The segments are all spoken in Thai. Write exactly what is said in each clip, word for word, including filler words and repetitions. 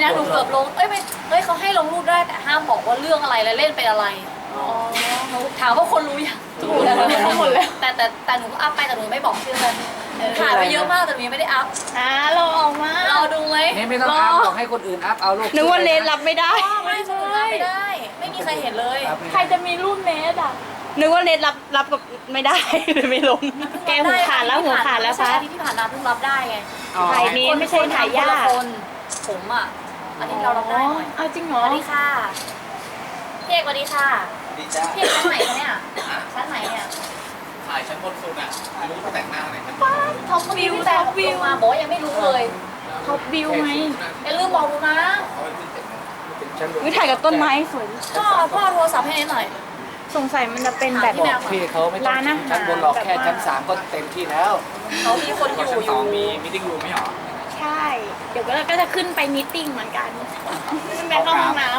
นะหนูเกือบลงเอ้ยไม่เฮ้ยเขาให้ลงรูปได้แต่ห้ามบอกว่าเรื่องอะไรและเล่นเป็นอะไรหนูถามว่าคนรู้ยังถูกแล้วทั้งหมดแล้วแต่แต่แต่หนูก็อัพไปแต่หนูไม่บอกชื่อเลยถ่ายไปเยอะมากแต่หนูยังไม่ได้อัพอ่าเราออกมารอดูไหมนี่ไม่ต้องอัพบอกให้คนอื่นอัพเอาลูกนึกว่าเนทรับไม่ได้ไม่คนอื่นอัพไม่ได้ ไม่มีใครเห็นเลยใครจะมีรูปเนทอ่ะนึกว่าเนทรับรับกับไม่ได้เลยไม่ลงแกหูขาดแล้วหูขาดแล้วใช่คะอาทิตย์ที่ผ่านมาเพิ่งรับได้ไงถ่ายเนทไม่ใช่ถ่ายยากคนผมอ่ะอาทิตย์เรารับได้หน่อยเอาจริงเหรสอวัสดีค่ะพี่เอกสวัสดีค่ะดีจ้าพี่เอกชั้นไหนคะเนี่ยชั้นไหนเนี่ยถ่ายชั้นบนสุดอ่ะไม่รู้เขาแต่งหน้าอะไรกันท็อปวิวแต่วิวมาบอกว่ายังไม่รู้เลยท็อปวิวไหมอย่าลืมบอกหนูนะเขาไปขึ้นเต็มเลยวิถ่ายกับต้นไม้สวยพ่อพ่อโทรศัพท์ให้เนทหน่อยสงสัยมันจะเป็นแบบบอกพี่เขาไม่ต้องชั้นบนหรอกแค่ชั้นสามก็เต็มที่แล้วเขามีคนอยู่ชั้นอสอยู่ งมีมิ팅รูมไม่หรอใช่ เดี๋ยวก็จะขึ้นไปมีตติ้งเหมือนกันขึ้นไปเข้าห้องน้ำ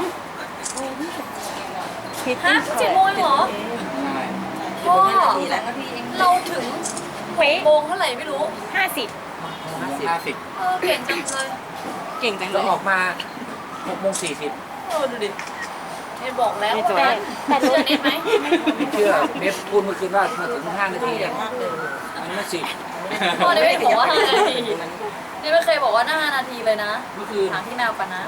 ฮะเจ็ดโมงเหรอพ่อเราถึงเว้ยโมงเท่าไหร่ไม่รู้ห้าสิบห้าสิบเออเก่งจังเลยเก่งจังเลแล้วยออกมาหกโมงสี่สิบเออดูดิเนทบอกแล้วแต่แต่เชื่อเนทไหมไม่เชื่อเน็ตพูดเมื่อคืนว่ามาถึงห้านาทีอ่ะมันไม่สิบพ่อเนทไม่บอกว่าห้านาทีเนทไม่เคยบอกว่าห้านาทีเลยนะเมื่อคืนถามพี่แมวกันนะ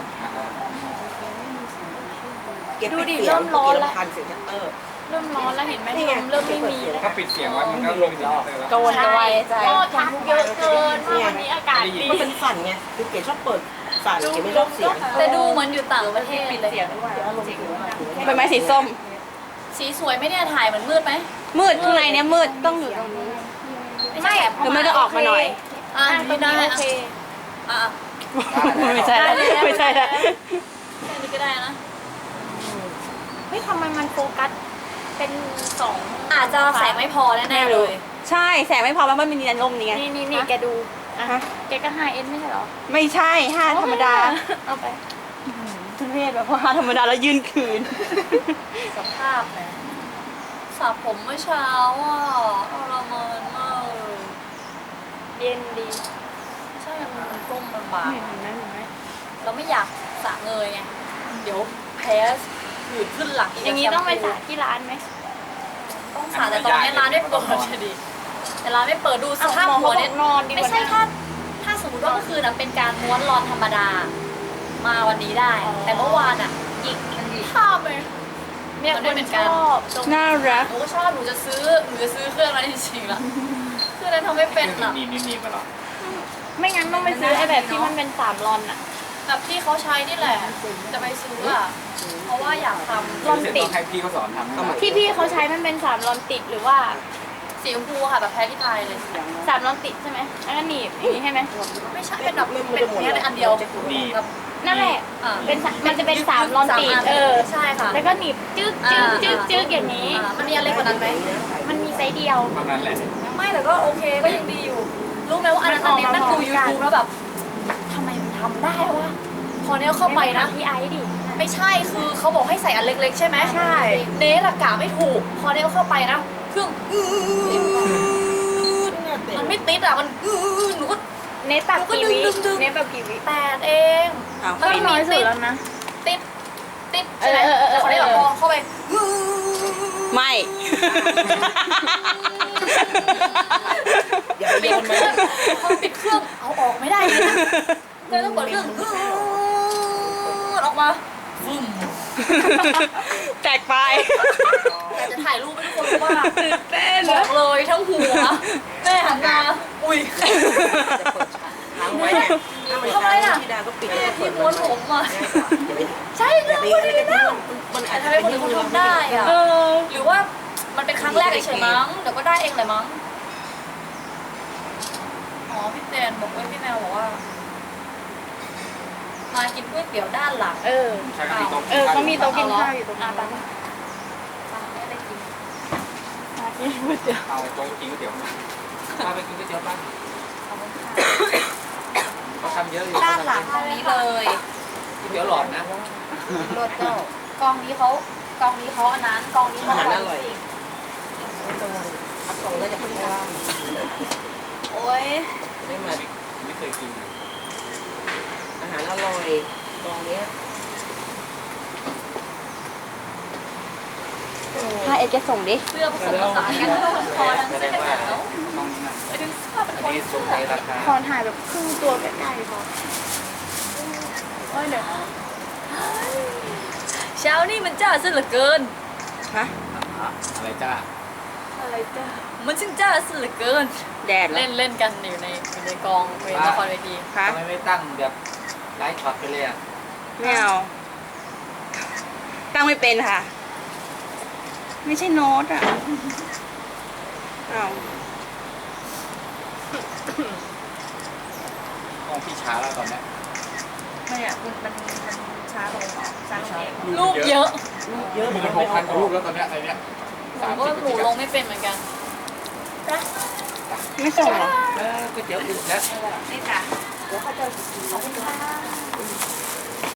ดูดิเริ่มร้อนแล้วพันเสียงเออเริ่มร้อนแล้วเห็นไหมลมเริ่มไม่มีแล้วถ้าปิดเสียงไว้มันก็ลงรอบกวนกวายใจก็ทักเยอะเกินว่าวันนี้อากาศดีมันเป็นสั่นไงคือเก๋ชอบเปิดสั่นเก๋ไม่ชอบเสียงแต่ดูเหมือนอยู่ต่างประเทศเลยเป็นไม้สีส้มสีสวยไหมเนี่ยถ่ายเหมือนมืดไหมมืดข้างในเนี่ยมืดต้องอยู่ตรงนี้ ไม่หรือไม่จะออกมาหน่อยอ่ะตรไม่งได้นี้โออ่ะเคอ่ะไม่ใช่แล้วไม่ใช่แล้วแค่นี้ก็ได้นะเฮ้ยทำไมมันโฟกัสเป็นสองอาจจะแสงไม่พอแน่ๆเลยใช่แสงไม่พอแล้วมันมีนันลมนี่ไงนี่นี่นี่แกดูอ่ะแกก็ห้าเอ็นไม่ใช่หรอไม่ใช่ห้าธรรมดาเอาไปทุเรศแบบว่าห้าธรรมดาแล้วยืนคืนสภาพนะสระผมเมื่อเช้าอ่ะทรมานมากเลยเย็นดีใช่มันมันก้มลำบากเห็นไหมเห็นไหมเราไม่อยากสระเงยไงเดี๋ยวแพ้หืดขึ้นหลังอย่างนี้ต้องไปสระที่ร้านไหมต้องสระแต่ตอนนี้ร้านไม่เปิดจะดีแต่ร้านไม่เปิดดูสภาพหัวเนี่ยนอนดีไม่ใช่ถ้าถ้าสมมติว่าเมื่อคืนน่ะเป็นการม้วนรอนธรรมดา มาวันนี้ได้ แต่เมื่อวานอ่ะอีกภาพเลยเนี่ยมันคไม่นเหมือนชกันอบน่ารักหนูก็ชอบหนูจะซื้อหนูจะซื้อเครื่องนั้นจริงๆล่ะเครื่องนั้นทำไม่เป็นอ่ะมีมีมีมาหรอไม่งั้นต้องไปซื้อไอ้แบบที่มันเป็นสามรอนอะแบบที่เขาใช้นี่แหละ จะไปซื้ออ่ะเพราะว่าอยากทำรอนติดให้พี่เขาสอนทำที่พี่เขาใช้มันเป็นสามรอนติดหรือว่าสีชมพูค่ะแบบแพ้ที่ไทยเลยสามรอนติดใช่ไหมแล้วก็หนีบอย่างนี้ใช่ไหมไม่ใช่เป็นแบบเป็นแค่อันเดียวแบบนั่นแหละอ่าเป็นสะมันจะเป็นสามรอนติดสามอันเออใช่ค่ะแล้วก็หนีบจึ๊กจึ๊กจึ๊กจึ๊กอย่างนี้อ่ามันมีอะไรกว่านั้นไหมมันมีไซส์เดียวประมาณแหละไม่แต่ก็โอเคก็ยังดีอยู่ รู้ไหมว่าอันนั้นมันออกเน็ตมานั่งดูพร้อมยูกันทูบแล้วแบบทำไมมันทำได้วะพอเนี้ยเข้าไปนะพี่ไอซ์ดิไม่ใช่คือเขาบอกให้ใส่อันเล็กๆใช่ไหมใช่เนสอะกะไม่ถูก พอเนสเข้าไปนะเครื่องมันไม่ติดอะมันหนูก็เนตแบบกี่วิดึงดึงดึงเนตแบบกี่วิแปดเองก็น้อยสุดแล้วนะติดติดใช่ไหมเออเออเออแต่พอเนสแบบพอเข้าไปไม่อย่าไปปิโยดนเคมารื่องพอปิดเครื่องเอาออกไม่ได้เลยนะเลยต้องเปิดเครื่องออกมาฟึ่มแตกไปแต่จะถ่ายรูปให้ทุกคนรู้ว่าตื่นเต้นบอกเลยทั้งหัวแม่หันมาอุ้ยค้างไว้เนี่ยถ้ามันทำไมอ่ะที่ดาก็ปิดแม่แล้วก็เปิที่ดม้วนผมอ่ะอย่าไปใช่อเรื่ย่าองไปพออะไรดีกันแล้วมันอาจทำจะไมคนอื่นเขาทำได้อ่ะเออหรือว่ามันเป็นครั้งแรกเฉยๆมั้งเดี๋ยวก็ได้เองเลยมั้งอ๋อพี่แตนบอกว่าพี่แมวบอกว่า มากินก๋วยเตี๋ยวด้านหลังเออใช่ก็มีโต๊ะเออเขามีโต๊ะกินข้าวอยู่ตรงอ่ะนั้นไปอ่ะไม่ได้กินเอาโต๊ะกินก๋วยเตี๋ยวมาพาไปกินก๋วยเตี๋ยวบ้างขอบคุณค่ะเขาทำเยอะอยู่ด้านหลังตรงนี้เลยก๋วยเตี๋ยวหลอดนะรถเจ้ากองนี้เขากองนี้เขาอันนั้นกองนี้เขาอาหารอัอน ร่อยนี้พักกล่องแล้วจะพักว่างโอ้ยได้มาไม่เคยกินอาหารอร่อยกองเนี้ยถ้าเอ็ดจะส่งดิเสื้อผสมผสานกันทั้งคอทั้งแสเสื้ดองว่ากันหนาวต้องนั่นไปดึงเสื้อเป็นอันคนนี้เสื้ส่งอในราคาคอนถ่ายแบบครึ่งตัวใกล้ๆพอโอ้ยเดี๋ยวเช้านี่มันจ้าซะเหลือเกินฮะอะไรจ้าอะไรจ้ามันช่างจ้าซะเหลือเกินแดดเหรอเล่นเล่นกันอยู่ในอยู่ในกองเวรละครเวทีคะทำไมไม่ตั้งแบบไลฟ์ช็อตไปเลยอ่ะไม่เอาตั้งไม่เป็นค่ะ ไม่ใช่โน้ตอ่ะเอากล้องพี่ช้าแล้วตอนเนี้ยไม่อ่ะมันมันมันช้าลงช้าลงเองรูปเยอะเยอะมันหกพันกว่ารูปแล้วตอนเนี้ยไอ้เนี้ยหนูก็หนูลงไม่เป็นเหมือนกันไม่ส่งเหรอเออก๋วยเตี๋ยวอื่นแล้วนี่ค่ะเดี๋ยวเขาจะขอบคุณค่ะ